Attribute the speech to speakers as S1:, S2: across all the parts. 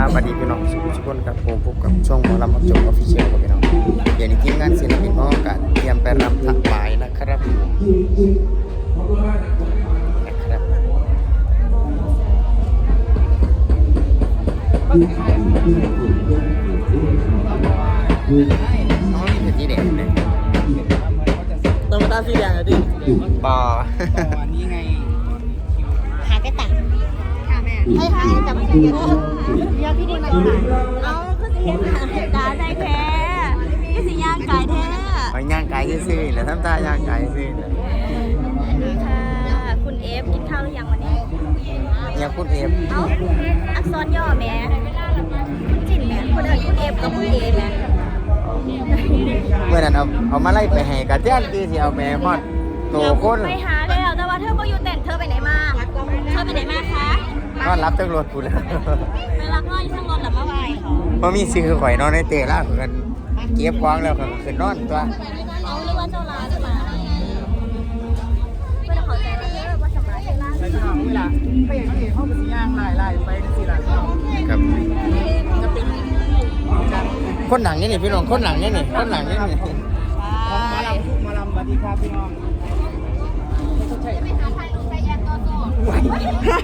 S1: ครับสวัสดีพี่น้องทุกคนครับผมพบกับช่องหมอลำอัพจบออฟฟิเชียลครับพี่น้องเดี๋ยวนี้ทีมงานศิลปินน้องกันเตรียมไปรำถวายนะครับน้องนี่เป็นสีแดงเลย
S2: ต้องมาตาสีแดงเลยดิ
S1: ปอ
S2: วันนี้ไง
S3: หากระตักค่ะแม่ให้แต่ไม่ใช่เยอะเยอะพี่ดีมาค่ะเอาก็จะเห็นตาได้แท้ก็สิย่างกายแท้
S1: ไปย่างไก่ซื่อๆแล้วทำตาย่างไก่ซื่อๆเลย
S3: อันนี้ค่ะคุณเอฟกินข้าวหรือยังวันนี้
S1: เนี่ยคุณเอฟ
S3: เอ้าอักษรย่อแม่คุณจินแม่คนอื่นคุณเอฟกับคุณเอแม่
S1: เมื่อนั้นเอามาไล่ไปให้กระเทียนที่เอาแม่ฮอดโตคน
S3: ไปหาแล้วแต่ว่าเธอก็อยู่เต้นเธอไปไหนมาเธอไปไหนมาคะ
S1: นอนรับจังรถกูแล้ว
S3: ไปรับว่าอยู่ทั้งรถหรือเมื่อวานเขา
S1: พอมีซื้อข่อยนอนในเตะล่ากันเก็บของแล้วก็ขึ้นนอนตัว
S3: เอาหรือว่าเจ้าร้านจะมาไม่ต้องขอใจเยอะว่าสำหรับเจ้าร้าน
S2: ไปที่ห้องเวลาไปอย่างนี้ห้องเป็นสีย่างไล่ไปสีหลัง
S1: ครับ
S2: จะเป็นการ
S1: คนหนังนี่นี่พี่น้องคนหนังนี่นี่คนหนังนี่นี่
S2: ของหมอลำทุกหมอลำสวัสดีครับพี่น้องใช่
S3: ไปหาถ่ายรูปไปแอนโตโต้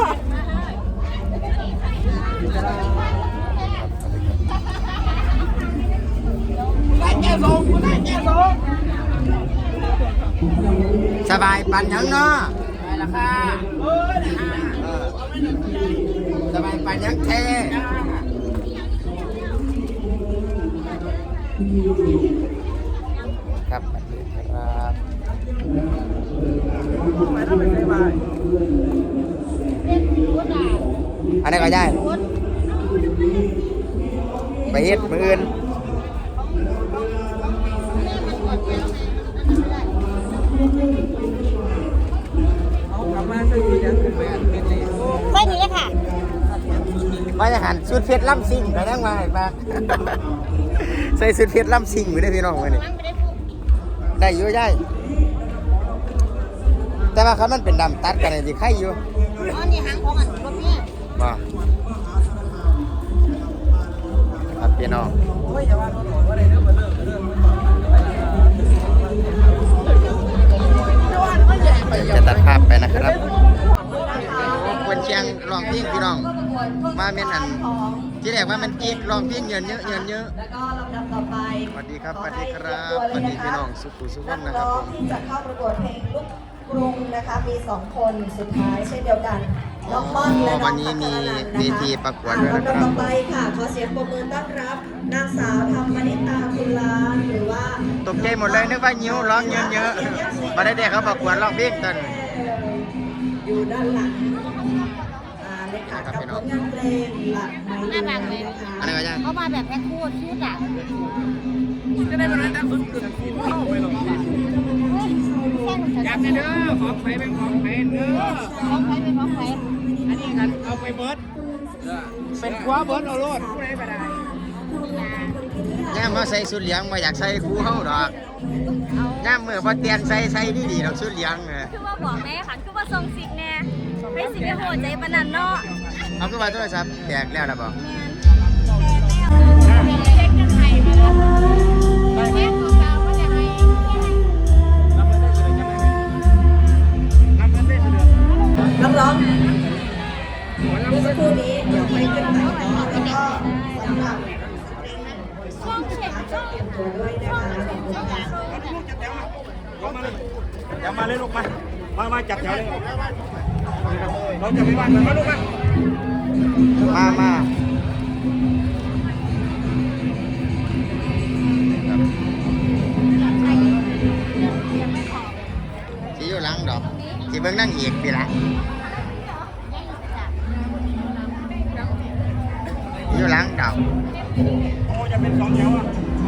S2: ได้แก่สองได้แก่สอง
S1: สบายปันยังเนาะ
S2: ไปละค่ะ
S1: สบายปันยังเทครับครับ
S2: ไปแล้วไปใส่ไป
S1: อันนี้ก็ได้ไปเฮ็ดมืออื่น
S2: เอากลับมาใส่สีแดงขึ้นไปอันเป็นเลย
S3: ไม่นี้เลยค่ะ
S1: ว่าจะหันสุดเพชรล่ำซิ่งไปนั่งมาให้ปาก ใส่สุดเพชรล่ำซิ่งไปได้พี่น้องมานี่ได้อยู่ได้แต่ว่าเขามันเป็นดำตัดกันเลยสิใครอยู่
S3: อ๋อนี่หางของอันรถเนี่ย
S1: บ่ครับพี่น้อง
S2: โอ้ยอย่าว่าเราบอกว่าอะไรเรื่องมันเรื่อง
S1: จะตัดภาพไปนะครับคนเชียงร้องเพลงพี่น้องมาเม่นอันที่แรกว่ามันกีบร้องเพลงเยินเยอะเยินเยอะ
S4: แล้วก็ลำดับต่อไป
S1: สวัสดีครับสวัสดีครับสวัสดีพี่น้องสุขุสุขนนะครับผม
S4: ที่จะเข้าประกวดเพลงลูกกรุงนะคะมี2คนสุดท้ายเช่นเดียวกันน้องม่อนและน้
S1: วั
S4: อน ง
S1: นี้
S4: พัช
S1: มี
S4: รนันท์
S1: เว
S4: นะคะ
S1: ทีประกวดด้วยนะค
S4: ลำดับ
S1: รับ
S4: ต่อไปค่ะขอเสียงปรบมือต้อนรับนางสาวธรรมนิตาคุณล้านหรือว่า
S1: ตกใจหมดเลยนึกว่านิ้วร้องเยอะเยอะมาได้เด็กเขาประกวดร้องเพลงตัน
S4: อยู่ด้านหลังเลยค่ะกับผลงานเพลงหลักไม้เดือนนะคะ
S1: อันนี้ก็ยัง
S3: เขามาแบบแพ็คคู่ชุดอ่ะ
S2: จะได้เป็นอะไรตั้งสุดเข้าไปหรอกอยากเด้อของไปเป็นของไปเด้อ
S3: ของใครเป็นของใคร
S2: อันนี้กันเอาไปเบิร์ดเป็นคว้าเบิร์ดเอาโลดผู้ใดไปได้
S1: ย่ามมาใส่สุดเหลียงมาอยากใส่คู่เฮาดอกย่ามเมื่อพอเตียนใส่ดีๆดอกสุดเหลียง
S3: คือว่าบอกแม่ขันคือว่าทรงสิกแน่ให้สิกโหดใจปนันเนาะ
S1: เอาขึ้นมาโทรศัพท์แตกแล้วนะบอก
S3: แม่แม่เช็คกันไทยมาแล้วแม่ตัวดาวว่าจะให้
S4: นักร้องเมื่อสักครู่นี้เดี๋ยวไปขึ้นไปต่อแล้วก็สำหรับ
S3: ช่องเช็คช่อง
S4: เตรียมตัวด้วยนะคะขอบคุณค่ะ
S2: เดี๋ยวมาเลยลูกมาจับแถวเลยเราจะไม่ว่างกันมาลูก
S1: มาสิอยู่หลังดอกสิเบิ่งนั่งเอกพี่ละอยู่หลังดอก
S2: โอ้จะเป็นสองแถวอ่ะ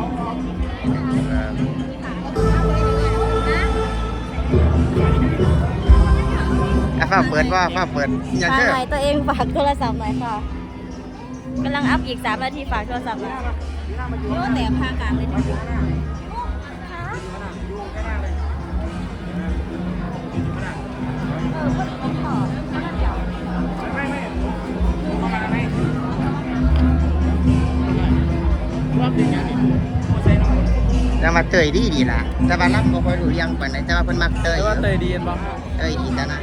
S1: ฟ้าเปิดว่าฟ้าเปิดอย่า
S3: ฝาก
S1: เชื่อ
S3: หน่อยตัวเองฝากโทรศัพท์หน่อยค่ะกำลังอัพอีก3 นาทีฝากโทรศัพท์หน่อยโอ้แต่พากลางเลยนะ
S1: แต่มาเตยดีล่ะแต่ว่ารับบ่ค่อยรู้เรื่องปานใดแต่ว่าเพิ่นมักเตย
S5: แต่ว่าเตยดีบ่
S1: เตยดีแต่นะ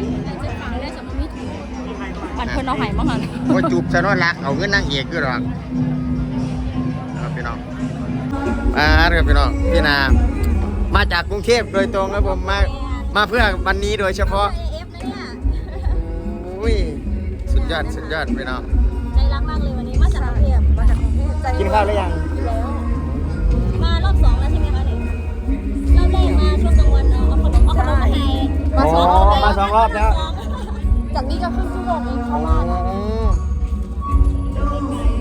S3: อันเพิ่นเอาไห้มาหัน
S1: บ่จูบซะเนาะละเอาเงินนางเอกคือหรอกครับพี่น้องครับพี่น้องพี่นามาจากกรุงเทพโดยตรงครับผมมาเพื่อวันนี้โดยเฉพาะ
S3: เอฟนะเนี่ย
S1: อุ้ยสุดยอดพี่น้อง
S3: ใจรักมากเลยวันนี้มาจากกรุงเทพใจ
S1: กินข้าวหรือยัง
S3: กินแล้วมารอบ2แล้วใช่ไหมคะเนี่ยรอบแรกมาช่วงกลางวันเอาขนมมาให้
S1: อ๋อมาสองรอบแล้ว
S3: จากนี้ก็ครึ่งชั่วโมงเองเข้ามา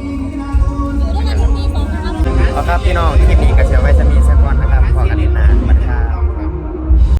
S3: อยู่ด้วยกันถึงตี 2นะครับ
S1: เอาครับพี่น้องคลิปนี้ก็เสียไว้จะมีสักวันนะครับขอกันนิดหนาไป